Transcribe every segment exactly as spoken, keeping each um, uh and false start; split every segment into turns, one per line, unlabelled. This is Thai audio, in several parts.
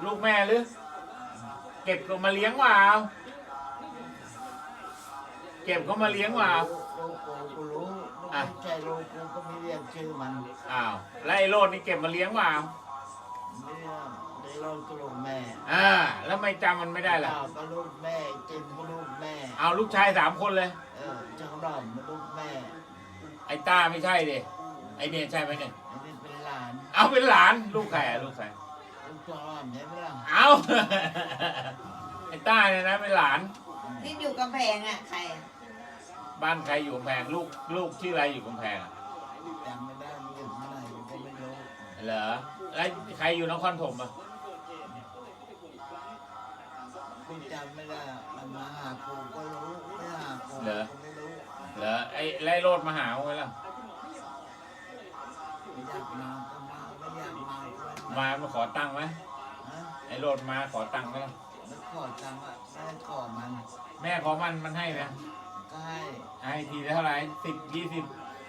ลูกแม่หรือเก็บก็มาเลี้ยงว่าเก็บเขามาเลี้ยงว่า
ลูกกูกูรู้ลูกไม่ใช่ลูกกูก็ไม่เรียกชื่อมัน
อ้าวแล้วไอ้โรดนี่เก็บมาเลี้ยงว่า
ไม่เรียกในโลกก็ลูกแม่
อ่าแล้วไม่จำมันไม่ได้ล่ะ
ข้าวก็ลูกแม่จิมก็ลูกแม่
เอาลูกชายสามคนเลย
เออเจ้าดอมมาลูกแม่
ไอ้ต้าไม่ใช่ดิไอ้เนี่ยใช่ไหมเนี่ย
อันนี้เป็นหลาน
เอาเป็นหลานลูกใครอะลูกใคร
ลูกเจ้าดอมใช่ไหมล่ะ
เอา ไอ้ต้าเนี่ยนะเป็นหลาน
ที่อยู่กำแพงอ่ะใครอะ
บ้านใครอยู่กำแพงลูกลูกชื่ออะไรอยู่กำแพงอะ
จำไม่ได้มันอยู่ที่ไหนผมก็ไม่รู้
เหรอแล้วใครอยู่นครถมอ่ะ
กูจำไม่ได้มันมาหากูก็รู้ไม่หากูก็ไม่รู้
เหรอไอ้ไล่โรดมาหาไว้แล้ว
ไม่อยากมาก็มาไม่อยากมาก็ไม่
มามาขอตังค์ไหม
ฮะ
ไอ้โรดมาขอตังค์ไหมล่ะ
แล้วขอตังค์อ่ะแม่ขอมัน
แม่ขอมันมันให้ไหม
ก็ให้
ให้ทีละเท่าไหร่สิบยี่สิบ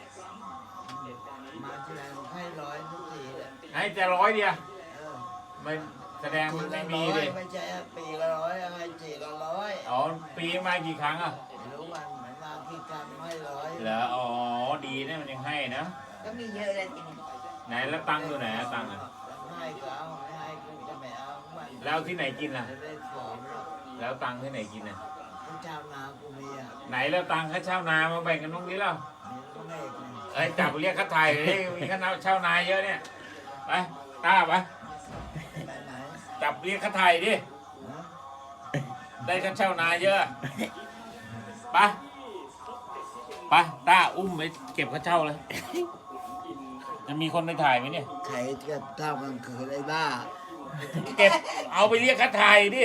มาทีไรให้ร้อยทุกทีเลย
ให้จะร้อยเดียว
เออ
มันแสดงมันไม่มี
เล
เลย
ไม่ใช่ปีละร้อยให้จีละร้อย
อ๋อปีมากี่ครั้งอ่ะ
ไม่รู้วันเหมือนมากี่ครั้งให้ร้อย
เหรออ๋อดีนะมันยังให้นะ
ก็มีเยอะเลยทีนี้
ไหนแล้วตังค์อยู่ไหนอะตังค์อะ
ให้ก็เอาไม่ให้กูจะไม่เอามัน
แล้วที่ไหนกินล่ะ
จะได้ของหรอก
แล้วตังค์ที่ไหนกินอ่ะ
พระเจ้านากูมีอ่ะ
ไหนแล้วตังค์ค่าเช่านามาแบ่งกันตรงนี้แล้ว
มีก็ไม่เอกเลย
ไอ้ยจับเรียกค่าไทยเลยมีค่าเช่านาเยอะเนี่ยไปตาไป
ไปไหน
จับเรียกค่าไทยดิ
ฮะ
ได้ค่าเช่านาเยอะไปไปตาอุ้มไปเก็บค่าเช่าเลยจะมีคนไปถ่ายไหมเนี่ย
ใครจะเท่ากลางคืนไอ้บ้า
เก็บเอาไปเรียกค่าไทยดิ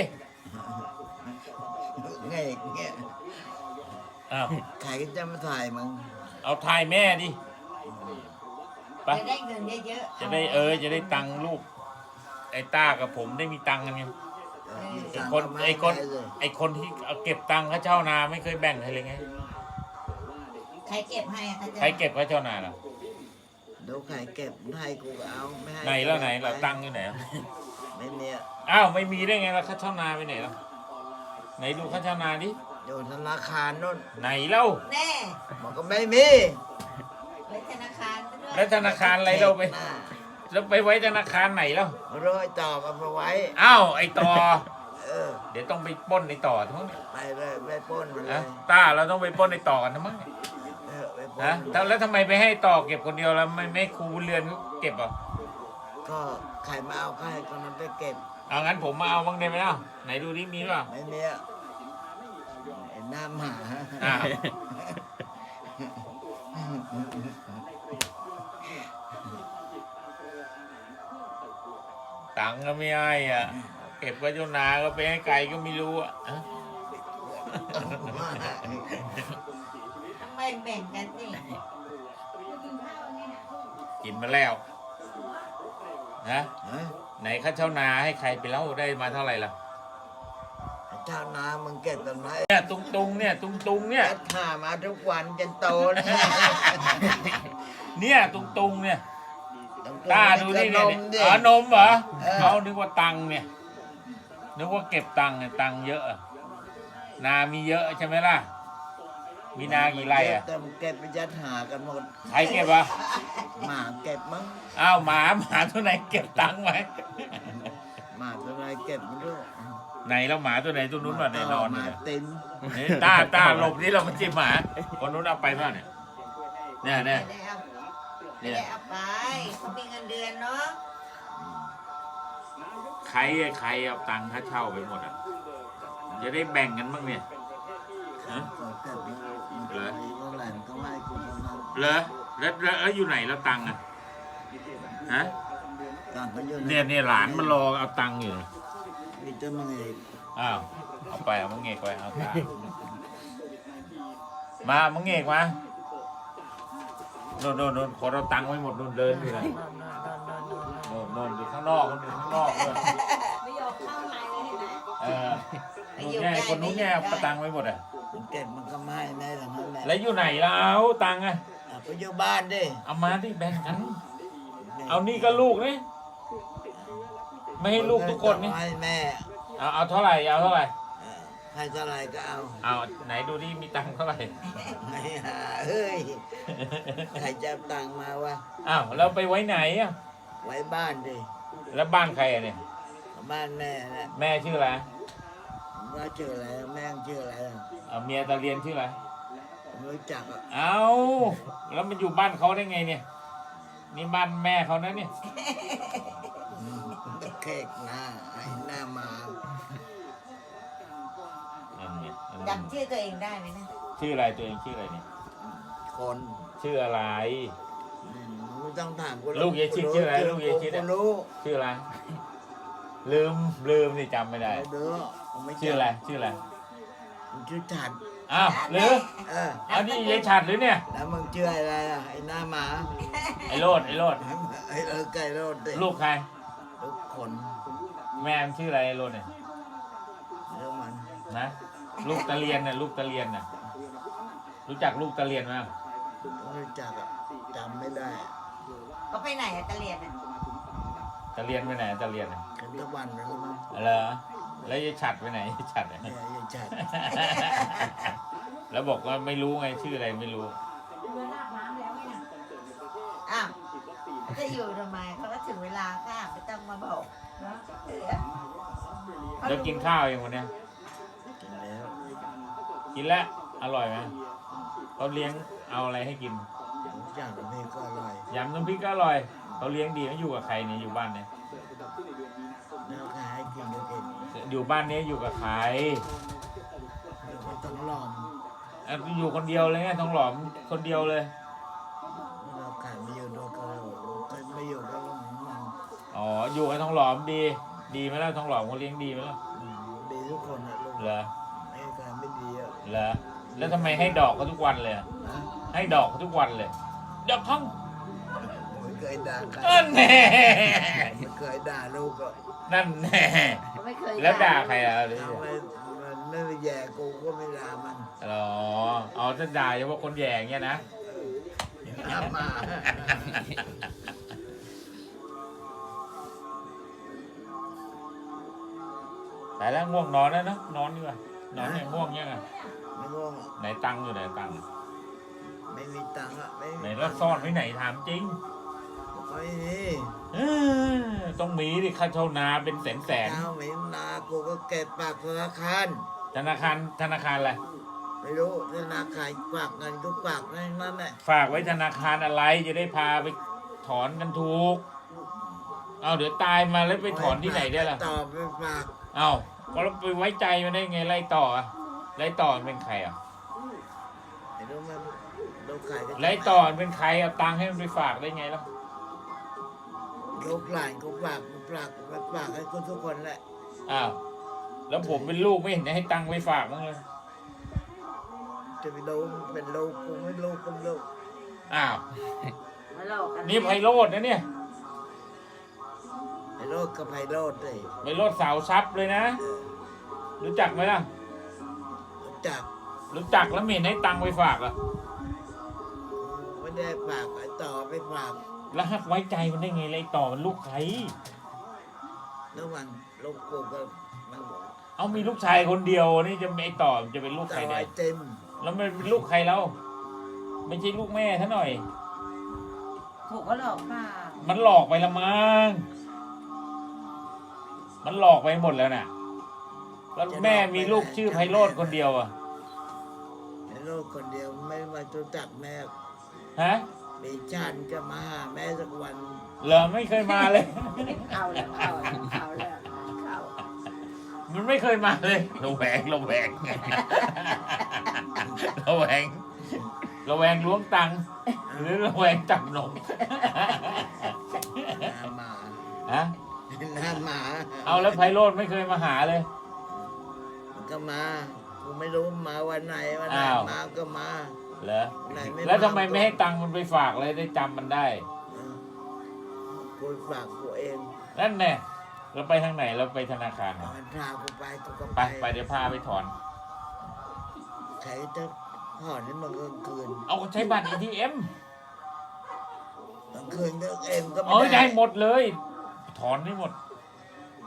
เงี้ยเงี้ย
อ้าว
ใครจะมาถ่ายมึง
เอาถ่ายแม่ดิไป
จะได้เงินเยอะๆ
จะได้เออจะได้ตังค์ลูกไอ้ต้ากับผมได้มีตังค์กันไง
เออ
ไอ้คนไอ้คนไอ้คนที่เอาเก็บตังค์ค่าเช่านาไม่เคยแบ่งใครเลยไง
ใครเก็บให้อะถ้าจะ
ใครเก็บค่าเช่านาล่ะ
เดี๋ยวใครเก็บให้กูก็เอาไม่ให้
ไหนแล้วไหนเราตังค์อยู่ไหนอะ
ไม่มีอะ
อ้าวไม่มีได้ไงล่ะค่าเช่านาไปไหนล่ะไหนดูค่าเช่านาดิ
อยู่ธนาคารนู่น
ไหนเล่า
แน่
บอกก็ไม่มี
ไว้ธนาคารซะด้วย
แล้วธนาคารอะไรเราไป
หน้า
แล้วไปไว้ธนาคารไหนแล้ว
ร้อยต่อมาเอาไว้
อ้าวไอ้ต่อ
เออ
เดี๋ยวต้องไปปล้นไอ้ต่อทั้งนั้น
ไปเลยไปปล้นมันเล
นะ
ย
ต้าเราต้องไปปล้นไอ้ต่อกันทั้งนั้น
เออไปปล้
นะ
น
แล้วทำไมไปให้ต่อเก็บคนเดียวแล้วไม่ไม่ครูบุญเรือนเขาเก็บอ่ะ
ก็ใครมาเอาใครคนนั้นไปเก็บ
เอางั้นผมมาเอาบ้างได้ไหมเล่าไหนดูดิมีเปล่า
ไม่มีอะไอ้หน้าหมา
อ้าว ตังค์ก็ไม่ให้อ่ะเก็บไว้จนนาก็ไปให้ไก่ก็ไม่รู้อ่ะฮะ
ทำไมแบ่งกันสิ
กินมาแล้วนะ
ฮะ
ไหนค่าเช่านาให้ใครไปแล้วได้มาเท่าไหร่ล่ะ
เจ้านามึงเก็บตรงไหน
เนี่ยตุงตุงเนี่ยตุงตุงเนี่ย
เอ็ดหามาทุกวันจนโตนะ
เนี่ยตุงตุงเนี่ยตาดูนี่
น
เนี่ย
มดิ
อ๋อนมเหรอ
เออ
เขานึกว่าตังค์เนี่ยนึกว่าเก็บตังค์เนี่ยตังค์เยอะอะนามีเยอะใช่ไหมล่ะมีนากี่ไร่อ่ะ
แต่มึงเก็บไปยัดหากันหมด
ใครเก็บวะ
หมาเก็บมั้ง
อ้าวหมาหมาตัวไหนเก็บตังค์ไหม
หมาตัวไหนเก็บมันด้วย
ไหนแล้วหมาตัวไหนตัวนู้นมาในนอน
ห
เนี่
มาย ติน
นี่ตาตาหลบนี่เรามาจิ้มหมาคนนู้นเอาไปป่ะเนี่ยเนี่ยเนี่ย
ไม่ได้เอาไม่
เนี่ย
ได้เอาไปเขามีเงินเดือนเนาะ
ใครอะใครเอาตังค่าเช่าไปหมดอ่ะจะได้แบ่งกันบ้างเนี่ยฮะ
ก็เก็บแล้ว
เหรอ
เมื่อไหร่มันก็ให้กูคนนั้น
เหรอแล้วแล้วแล้วอยู่ไหนแล้วตังค์อ่ะฮะ
ต่างก็อยู่
เนี่ยเนี่ยหลานมันรอเอาตังค์อยู่
มีเจ้ามึงเอง
อ้าวเอาไปเอามังเงกไปเอาตามามังเงกมาโน่นโน่นโน่นคนเอาตังค์ไว้หมดโน่นเดินอยู่นะโน่นโน่นอยู่ข้างนอกมันอยู่ข้างนอกเลย
ไม่ยอมเข้าในเลยเห็นไหม
เออนู้นแง่คนนู้นแง่เอาตังค์ไว้หมดอ่ะ
มันเก็บมันก็ไม่ให้แม่หลังนั้นแหละ
แล้วอยู่ไหนแล้วตังค์อ่ะ
อ่ะไปอยู่บ้านดิ
เอามาที่แบ่งกัน เอานี่ก็ลูกนี่ไม่ให้ลูกทุกคนนี่
ให้แม่
เอาเอาเท่าไหร่เอาเท่าไหร่
เออให้เท่าไหรก็เอา
เอาไหนดูดิมีตังค์เท่าไหร่
ไม่หาเฮ้ยใครจะเอาตังค์มาวะ
อ้าวแล้วไปไว้ไหนอ่ะ
ไว้บ้านดิ
แล้วบ้านใครอ่ะเนี่ย
บ้านแม่นะ
แม่ชื่ออะไร
ว่าชื่ออะไรแม่งชื่ออะไรอ่ะ
เอาเมียตาเรียนชื่ออะไร
ไม่รู้จักอ่ะ
เอาแล้วมันอยู่บ้านเขาได้ไงเนี่ยนี่บ้านแม่เขานะเนี่ย
เค้กหน้าไอ้หน้ามา
อันเนี้ยอัน
จำชื่อตัวเองได้ไหมนะ
ชื่ออะไรตัวเองชื่ออะไรเนี่ย
คน
ชื่ออะไร
อืมไม่ต้องถามกู
ลูกยายชิดชื่ออะไรลูกยายชิด
กู
อะ
รู้
ชื่ออะไร ลืมลืมนี่จำไม่ได้
เด้อผมไม่จำ
ชื่ออะไรชื่ออะไร
มึงชื่อฉัด
อ้าวหรือ
เออ
เอานี่ยายฉัดหรือเนี่ย
แล้วมึงชื่ออะไรอ่ะไอ้หน้าหมา
ไอ้โรดไอ้โรด
ไอ้เออไก่โรดดิ
ลูกใคร
ลูกขน
แม่มันชื่ออะไรไอ้โรดเนี่ย
เรื่องมัน
นะลูกตะเรียนน่ะลูกตะเรียนน่ะรู้จักลูกตะเรียนไหม
ไม่รู้จักอ่ะจำไม่ได้
ก็ไปไหนอะตะเลียนอะ
ตะเรียนไปไหนตะเรียนน่ะ
กันตะวันแล้วมั้ง
เหรอแล้วยายฉัดไปไหนยายฉัดอะ
เนี่ยไอ้ฉัด
แล้วบอกว่าไม่รู้ไงชื่ออะไรไม่รู้
อ้าวจะอยู่ทำไมเขาก็ถึงเวลาค่ะไม่ต้องมาบอกนะเออ
แล้วกินข้าวยังวันเนี้ย
กินแล้ว
กินแล้วอร่อยไหมเขาเลี้ยงเอาอะไรให้กิน
ทุกอย่างนี่ก็อร่อย
ยำน้ำพริกก็อร่อยเขาเลี้ยงดีไม่อยู่กับใครเนี่ยอยู่บ้านเนี่ย
แล้วใครให้กินก็กิน
อยู่บ้านนี้อยู่กับใคร
แล้วก็ต้องลอง
อ่ะอยู่คนเดียวเลยไงทองหลอมคนเดียวเลย
เราขายไม่อยู่ด้วยก็เคยไม่อยู่ก็มัน
อ๋ออยู่กับทองหลอมดี ดีไหมล่ะทองหลอมเขาเลี้ยงดีไหมล่ะ
อืมดีทุกคนนะลูก
เหรอ
ไม่เคยไม่ดีอ่ะ
เหรอแล้วทำไมให้ดอกเขาทุกวันเลยอะ
นะ
ให้ดอกเขาทุกวันเลยดอกทอง
ไม่เคยด่าใคร
เออแน่
ไม่เคยด่าลูกอ่ะ
นั่นแน่
ไม่เคย
แล้วด่าใครอ่ะหรือ
ทำไมมันไม่แย่กูก็ไม่ด่ามัน
อ๋ออ๋อจะด่าเฉพาะคนแย่อย่างเงี้ยนะ
ทำมา
แต่แล้วง่วงนอนแล้วเนอะนอนดีกว่านอนเนี่ยง่วงยังไง
ไม่ง่วง
ไหนตังค์อยู่ไหนตังค์
ไม่มีตังค์อ่ะไม่
ไหน
มี
แล้วซ่อนไว้ไหนถามจริง
ไม่มี
เออต้องมีดิค่าเช่านาเป็นแสนแสน
เจ้าไม่นากูก็เก็บปากธนาคาร
ธนาคารธนาคารอะไร
ไม่รู้ธนาคารฝากเงินก็ฝากนั่นนั่นแหละ
ฝากไว้ธนาคารอะไรจะได้พาไปถอนกันถูกเอาเดี๋ยวตายมาแล้วไปถอนที่ไหนได้ล่ะ
ต่อไปฝาก
เอาก็เราไปไว้ใจมันได้ไงไล่ต่ออะไล่ต่อมันเป็นใครอ่ะ
ไม่รู้มันลูกขายก็
ไล่ต่อมันเป็นใครเอาตังค์ให้มันไปฝากได้ไงล่ะ
ลูกหลานก็ฝากฝากฝากให้คนทุกคนแหละ
อ้าวแล้วผมเป็นลูกไม่เห็นจะให้ตังค์ไปฝากมั้างเลย
จะไปรู้เป็นลูกกูไม่รู้ก็ไม่รู้
อ้าว
มาหลอกกัน
นี่ไพโรดนะเนี่ย
ไอ้โรดก็ไพโรดเลย
ไพโรดสาวซับเลยนะ รู้จักไหมล่ะ
รู้จัก
รู้จักแล้วไม่เห็นให้ตังค์ไปฝากอ่ะ
ไม่ได้ฝากไอ้ต่อไปฝาก
แล้วหักไว้ใจมันได้ไงไล่ต่อมันลูกใคร
แล้วมันลูกกูก็มัน
เอามีลูกชายคนเดียวนี่จะไอ้ต่อมันจะเป็นลูกใคร
ต่อ
ได้
ไอเต็ม
แล้วมันเป็นลูกใครแล้วไม่ใช่ลูกแม่ท่าหน่อย
ถูกก็หลอกป่า
มันหลอกไปละมั้งมันหลอกไปหมดแล้วน่ะแล้วแม่มีลูกชื่อไพโรดคนเดียวอ่ะ
ไอ้โรดคนเดียวไม่มารู้จักแม่
ฮะ
มีชาติจะมาหาแม่สักวัน
เหรอไม่เคยมาเลย
เอาแล้วเอาแล้วเอาแล้วเอา
มันไม่เคยมาเลยระแวงระแวงระแวงระแวงล้วงตังค์หรือระแวงจับนม
หน้าหมา
ฮะ
หน้าหมา
เอาแล้วไพโรดไม่เคยมาหาเลย
มันก็มากูไม่รู้มาวันไหนวันไหน
อ้าว
มาก็มา
เหรอ
ไหน
แล้วทำไม
ก็
ไม่ให้ตังค์มันไปฝากเลยได้จำมันได้
เออกูฝากกูเอง
นั่นแน่เราไปทางไหนเราไปธนาคาร
มันพากูไปกูก็
ไปไปเดี๋ยวพาไปถอน
ใครจะผ่อนให้มันกลางคืน
เอาใช้บัตร เอ ที เอ็ม
กลางคืนก็เอ็มก็
เอ้ย
ไม่
ได้
ได้
หมดเลย ถอนได้หมด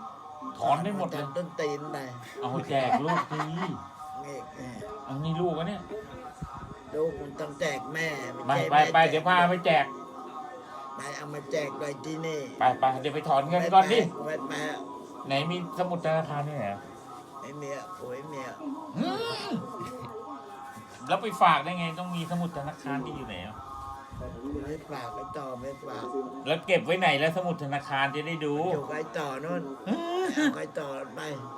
อนได้หมดเลย
ทำต้นตีนไป
เอาแจกลูกที
เอกแม่
เอานี่ลูกอะเนี่ย
ลูกมันต้องแจกแม่
ไป
ใช่
ไป
แม่
ไป
แจก
เดี๋ยวพาไปแจก
ไปเอามาแจกไปที่นี่
ไปไปเดี๋ยวไปถอนเงินก่อนดิ
ไม่ไป
ไหนมีสมุดธนาคารนี่ไหนอะ
ไม่มีอ่ะโอ้ยเมีย
อืมแล้วไปฝากได้ไงต้องมีสมุดธนาคารที่อยู่ไหนอะ
ไม่ฝากไม่ต่อไม่ฝาก
แล้วเก็บไว้ไหนแล้วสมุดธนาคารจะได้ดู
อยู่ไกลต่อนู่นเอาไกลต่อไป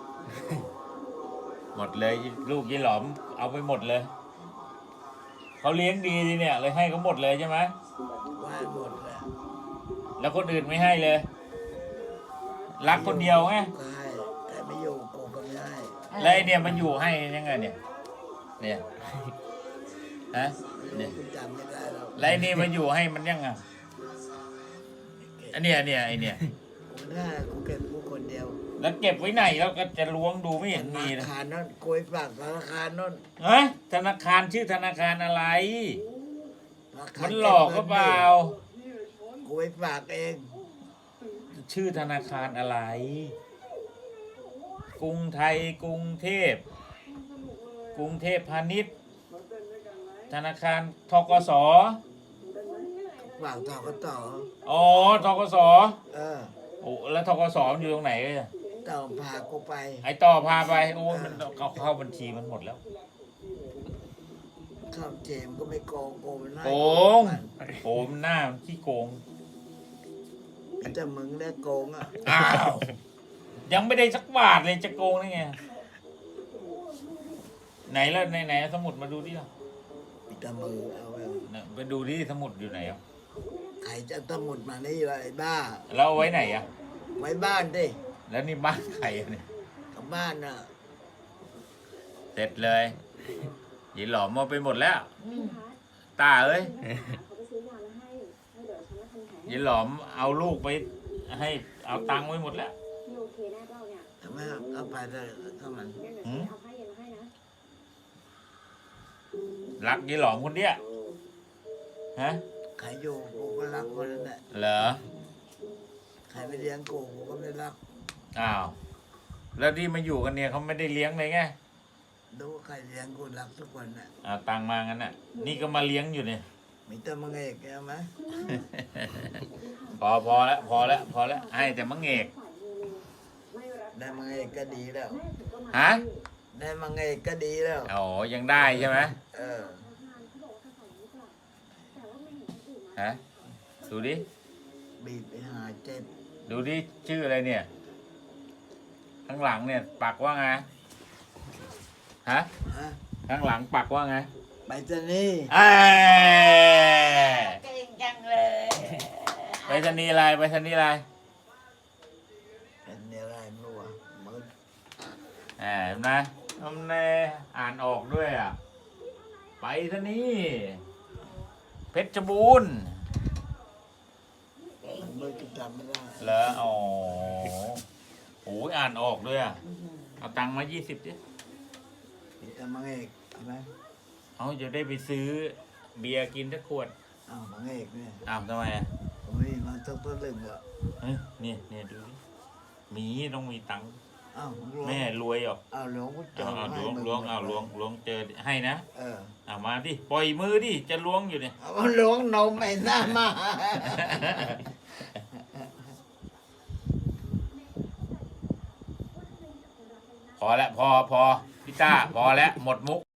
หมดเลยลูกยี่หลอมเอาไปหมดเลยเขาเลี้ยงดีดีเนี่ยเลยให้เขาหมดเลยใช่ไหม
ว่าหมดแล้ว
แล้วคนอื่นไม่ให้เลย รักคนเดียวไง
ก็ให้แต่ไม่อยู่กูก็ไม่ให้
แล้วไอเนี่ยมันอยู่ให้ยังไงเนี่ยเนี่ยฮะเนี่ย
กูจำไม่ได้แล้ว
แล้วไอนี่มันอยู่ให้มันยังไงอันเนี้ยเนี่ยไอเนี่ย
กูไม่ได้กูเก็บกูคนเดียว
แล้วเก็บไว้ไหนแล้วก็จะล้วงดูไม่เห็นมี
ธ
เลย
นาคารนั่นกูไปฝากธนาคารนั่น
เฮ้ยธนาคารชื่อธนาคารอะไร
ธาคาร
มันหลอกก็เปล่า
กูไปฝากเอง
ชื่อธนาคารอะไร กรุงไทยกรุงเทพ กรุงเทพพาณิชย์ ธนาคารทกส
ฝากต่อก็ต่อ
อ๋อทกส
เออ
โอ้แล้วทกสมันอยู่ตรงไหนเลย
ต่อพากูไป
ไอต่อพาไปโอ้ยมันเข้าเข้าบัญชีมันหมดแล้ว
ข้าวเจมก็ไม่โกงโกงมันให้
โกงโอ้มันหน้ามันขี้โกง
แต่มึงได้โกงอ่ะ
อ้าวยังไม่ได้สักบาทเลยจะโกงได้ไงไหนแล้วไหนไหนสมุดมาดูดิล่ะ
แต่มือเอาไว้
น่ะไปดูดิสมุดอยู่ไหนอ่ะ
ใครจะสมุดมานี่วะไอ้บ้า
แล้วเอาไว้ไหนอ่ะ
ไว้บ้านดิ
แล้วนี่บ้านใครอะเนี่ย
กับบ้านน่ะ
เสร็จเลยหยีหลอมเอาไปหมดแล้ว
อืม
ตาเอ้ยหยีหลอมเอาลูกไปให้เอาตังค์ไว้หมดแล้ว
โอเคแน่เปล่าเนี่ย
ทำไมเอาไปเลยเข้ามัน
งั้นเดี๋ยวฉันเอาผ้าเย็นมาให้นะ
รักหยีหลอมคนเดียวฮะ
ใครอยู่กูก็รักคนนั้นแหละ
เหรอ
ใครไม่เลี้ยงกูกูก็ไม่รัก
อ้าวแล้วที่มาอยู่กันเนี่ยเขาไม่ได้เลี้ยงเลยไง
ดูว่าใครเลี้ยงกูรักทุกคนน่ะ
เอาตังค์มางั้นน่ะนี่ก็มาเลี้ยงอยู่เนี่ย
มีแต่มึงเอกใช่ไหม
พอพอแล้วพอแล้วพอแล้วให้แต่มังเอก
ได้มึงเอกก็ดีแล้ว
ฮะ
ได้มึงเอกก็ดีแล้ว
อ๋อยังได้ใช่ไหม
เออ
ฮะดูดิ
บีบไปหาเจ็บ
ดูดิชื่ออะไรเนี่ย ข้างหลังเนี่ย ปักว่าไงฮะ
ฮะ
ข้างหลังปักว่าไง
ไปจะนี่
เอ้ย
เก่งจังเลย
ไปสนีย์อะไรไปสนีย์อะไร
เป็นอะไรไม่รู้อ่ะมึง
แหมเห็นไหมทำแน่อ่านออกด้วยอ่ะ ไปสนีย์เพชรบูรณ์
มึงจะจำไม่ได้
เหรออ๋อโอ้ยอ่านออกด้วยอ่ะ เอาตังค์มายี่สิบดิ
มีแต่มึงเอกใช่ไหม
เอาจะได้ไปซื้อเบียร์กินสักขวด
อ้าวมึงเอกเนี่ย
อ้าวทำไมอ่ะ
ผมมีมาตั้งตัวลึงอ่ะ
เฮ้ยเนี่ยเนี่ยดูดิมีต้องมีตังค์
อ้าวหลวง
แม่รวยหรอก
อ้าวหลวงพ่อจ
เอา
อ
เอา
ให้
ล้วง
มึ
ล้วงเอาล้วงล้วงเจอให้นะ
เออ
เอามาดิปล่อยมือดิจะล้วงอยู่เนี่ย
เอาหลวงนมไอ้หน้ามา
พอแล้วพอพอพี่ต้าพอแล้วหมดมุก